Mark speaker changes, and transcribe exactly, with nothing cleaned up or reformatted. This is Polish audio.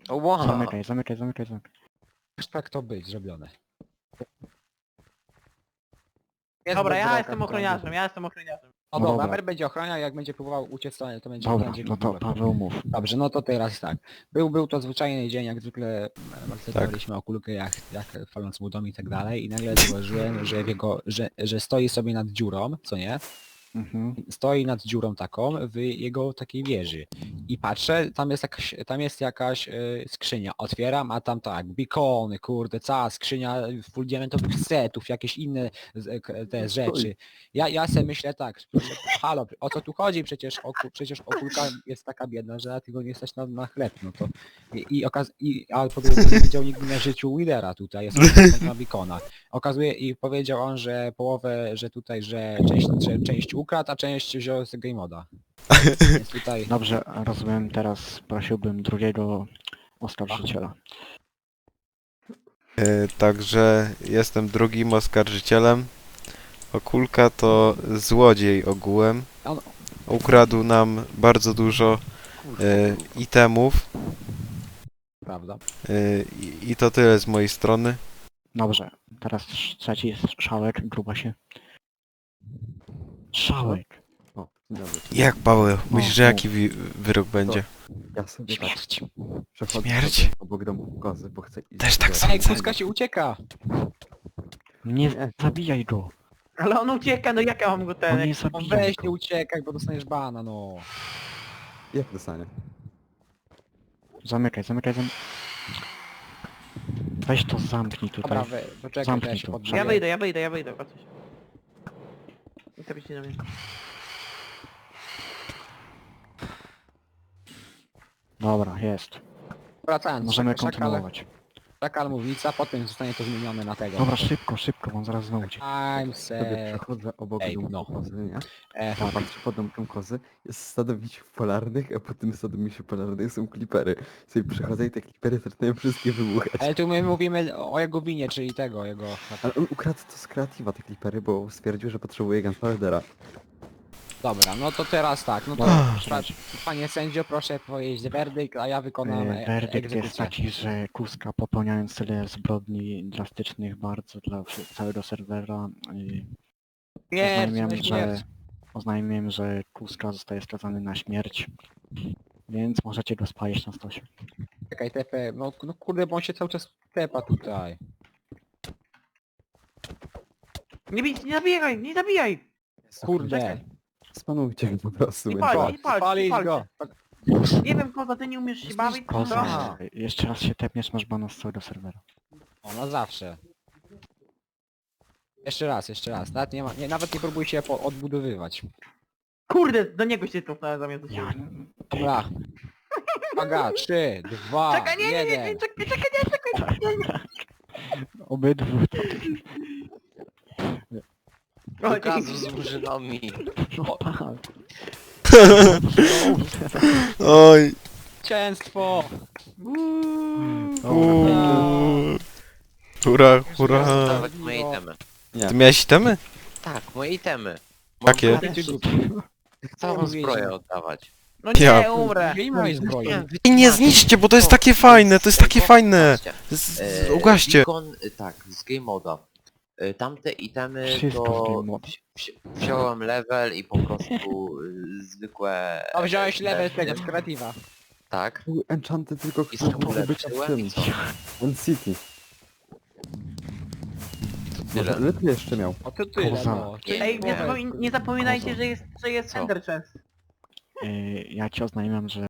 Speaker 1: Wow.
Speaker 2: Zamykaj, zamykaj, zamykaj, zamykaj.
Speaker 3: Tak to być zrobione.
Speaker 4: Dobra, ja
Speaker 2: bedrock,
Speaker 4: jestem
Speaker 2: to
Speaker 4: ochroniarzem, ja jestem ochroniarzem.
Speaker 3: No
Speaker 2: No
Speaker 3: dobra,
Speaker 2: dobra.
Speaker 3: Mer będzie ochraniał, jak będzie próbował uciec, to to będzie...
Speaker 2: Dobra,
Speaker 3: będzie
Speaker 2: no to Paweł mów.
Speaker 3: Dobrze, no to teraz tak. Był, był to zwyczajny dzień, jak zwykle maltretowaliśmy o kulkę, jak, jak faląc mu dom i tak dalej i nagle zauważyłem, że, w jego, że, że stoi sobie nad dziurą, co nie?
Speaker 2: Mhm.
Speaker 3: Stoi nad dziurą taką w jego takiej wieży. I patrzę, tam jest jakaś, tam jest jakaś y, skrzynia. Otwieram, a tam tak, bikony, kurde, cała skrzynia full diamentowych setów, jakieś inne z, k- te rzeczy. Ja, ja sobie myślę tak, proszę, halo, o co tu chodzi? Przecież, o, przecież okulka jest taka biedna, że tylko nie stać na, na chleb, no to... I, i, okaz i a po drugie nie widział nigdy na życiu Widera tutaj, jest na bikona. Okazuje i powiedział on, że połowę, że tutaj, że część, że część ukradł, a część wziął z game moda. Więc tutaj...
Speaker 2: Dobrze, rozumiem, teraz prosiłbym drugiego oskarżyciela.
Speaker 1: E, także jestem drugim oskarżycielem. Okulka to złodziej ogółem.
Speaker 3: On,
Speaker 1: Ukradł nam bardzo dużo e, itemów.
Speaker 3: prawda.
Speaker 1: E, i, I to tyle z mojej strony.
Speaker 2: Dobrze, teraz trzeci jest Szałek, grubasie. Szałek.
Speaker 5: O, dzień dobry.
Speaker 1: Jak Paweł? Myślisz, że
Speaker 2: no.
Speaker 1: jaki wi- wyrok będzie?
Speaker 5: Ja sobie tak
Speaker 2: Śmierć.
Speaker 5: przechodzę
Speaker 1: Śmierć?
Speaker 5: sobie obok domu kozy, bo chcę iść
Speaker 1: Też tak
Speaker 5: do-
Speaker 1: samo.
Speaker 3: Ej, kuska się ucieka!
Speaker 2: Nie
Speaker 5: Nie.
Speaker 2: zabijaj go.
Speaker 4: Ale on ucieka, no jak ja mam go ten...
Speaker 2: On nie
Speaker 4: jak-
Speaker 3: No
Speaker 2: zabijaj
Speaker 3: weź nie
Speaker 2: go.
Speaker 3: uciekaj, bo dostaniesz bana, no.
Speaker 5: Jak dostanie?
Speaker 2: Zamykaj, zamykaj, zamykaj. Weź to zamknij
Speaker 3: Dobra,
Speaker 2: tutaj.
Speaker 3: we, poczekaj,
Speaker 2: Zamknij
Speaker 3: to ja się
Speaker 2: to.
Speaker 3: podbiję.
Speaker 4: Ja wyjdę, ja wyjdę, ja wyjdę, patrzcie. I to byście na mnie.
Speaker 2: Dobra, jest.
Speaker 3: Wracając,
Speaker 2: Możemy
Speaker 3: szakal,
Speaker 2: kontynuować.
Speaker 3: szakal mówica, potem zostanie to zmienione na tego.
Speaker 2: Dobra, szybko, szybko, bo on zaraz znowu ucieknie.
Speaker 3: I'm
Speaker 5: Sobie
Speaker 3: set.
Speaker 5: przechodzę obok
Speaker 3: Ej,
Speaker 5: domu
Speaker 3: no.
Speaker 5: kozy, nie?
Speaker 3: E,
Speaker 5: A patrzę pod domkiem kozy, jest stado misiów polarnych, a po tym stado misiów polarnych są klipery. Sobie przechodzę i te klipery zaczynają wszystkie wybuchać.
Speaker 3: ale tu my mówimy o jego winie, czyli tego, jego...
Speaker 5: Ale on ukradł to z kreatywa te klipery, bo stwierdził, że potrzebuje Gunpowdera.
Speaker 3: Dobra, no to teraz tak, no to
Speaker 2: Dobra,
Speaker 3: pa, panie sędzio, proszę powiedzieć werdykt, a ja wykonam
Speaker 2: E,
Speaker 3: e,
Speaker 2: Werdykt jest
Speaker 3: egzekucję.
Speaker 2: taki, że Kuska popełniając tyle zbrodni drastycznych bardzo dla wszy- całego serwera y,
Speaker 3: Nie,
Speaker 2: oznajmiam,
Speaker 3: nie,
Speaker 2: że oznajmiam, że Kuska zostaje skazany na śmierć. Więc możecie go spalić na stosie.
Speaker 3: Czekaj, T P, no, no kurde, bo on się cały czas tepa tutaj.
Speaker 4: Nie bij, nie zabijaj, nie zabijaj!
Speaker 3: Kurde,
Speaker 5: Spanujcie go po prostu.
Speaker 4: I
Speaker 5: będzie
Speaker 4: pal,
Speaker 5: łatwiej.
Speaker 4: i pal, i
Speaker 3: spalić
Speaker 4: pal.
Speaker 3: go.
Speaker 4: Nie wiem, koza, ty nie umiesz się bawić, to...
Speaker 2: Koza, jeszcze raz się tepniesz, masz bana z całego serwera.
Speaker 3: O, na zawsze. Jeszcze raz, jeszcze raz, nawet nie, ma, nie, nawet nie próbuj się po, odbudowywać.
Speaker 4: Kurde, do niego się cofnąłem zamiast do
Speaker 2: Ja...
Speaker 4: siebie.
Speaker 3: Dobra. Uwaga, trzy, dwa,
Speaker 4: Czekaj, nie, nie, nie,
Speaker 3: jeden.
Speaker 4: nie, czekaj, czekaj, nie, czekaj, nie, nie.
Speaker 2: Obydwu.
Speaker 4: O,
Speaker 1: Pokazu
Speaker 4: dzięki.
Speaker 1: z murzynami.
Speaker 2: No tak.
Speaker 1: Oj.
Speaker 3: Zwycięstwo!
Speaker 1: Uuu. Hurra, hurra.
Speaker 6: Dawać moje itemy.
Speaker 1: Ty miałeś itemy?
Speaker 6: Tak, moje itemy.
Speaker 1: Jakie?
Speaker 6: Całą zbroję oddawać.
Speaker 4: No
Speaker 1: Ja-
Speaker 4: nie, umrę.
Speaker 3: Nie mojej zbroi.
Speaker 1: I nie zniszcie, bo to jest takie fajne, to jest takie fajne. Z, z, ugaście.
Speaker 6: Beacon, y, tak, z game moda. Y, Tamte itemy
Speaker 2: Wszystko z
Speaker 6: to
Speaker 2: game moda.
Speaker 6: wzi- wzi- wziąłem level i po prostu y, zwykłe...
Speaker 3: A wziąłeś level tego z kreatywa.
Speaker 6: Tak.
Speaker 5: Był enchanty tylko,
Speaker 6: I
Speaker 5: który
Speaker 6: sobie
Speaker 5: może być na
Speaker 6: ulepszyłem
Speaker 5: tym.
Speaker 6: i co?
Speaker 5: On City. Może
Speaker 6: Tyle.
Speaker 5: lepiej jeszcze miał.
Speaker 3: O to tyle,
Speaker 2: Koza.
Speaker 3: no.
Speaker 6: Nie,
Speaker 4: Ej, nie,
Speaker 6: nie.
Speaker 4: zapomin nie zapominajcie,
Speaker 2: Koza.
Speaker 4: że jest, że jest
Speaker 6: Co?
Speaker 4: Ender Chest.
Speaker 2: Y, ja ci oznajmiam, że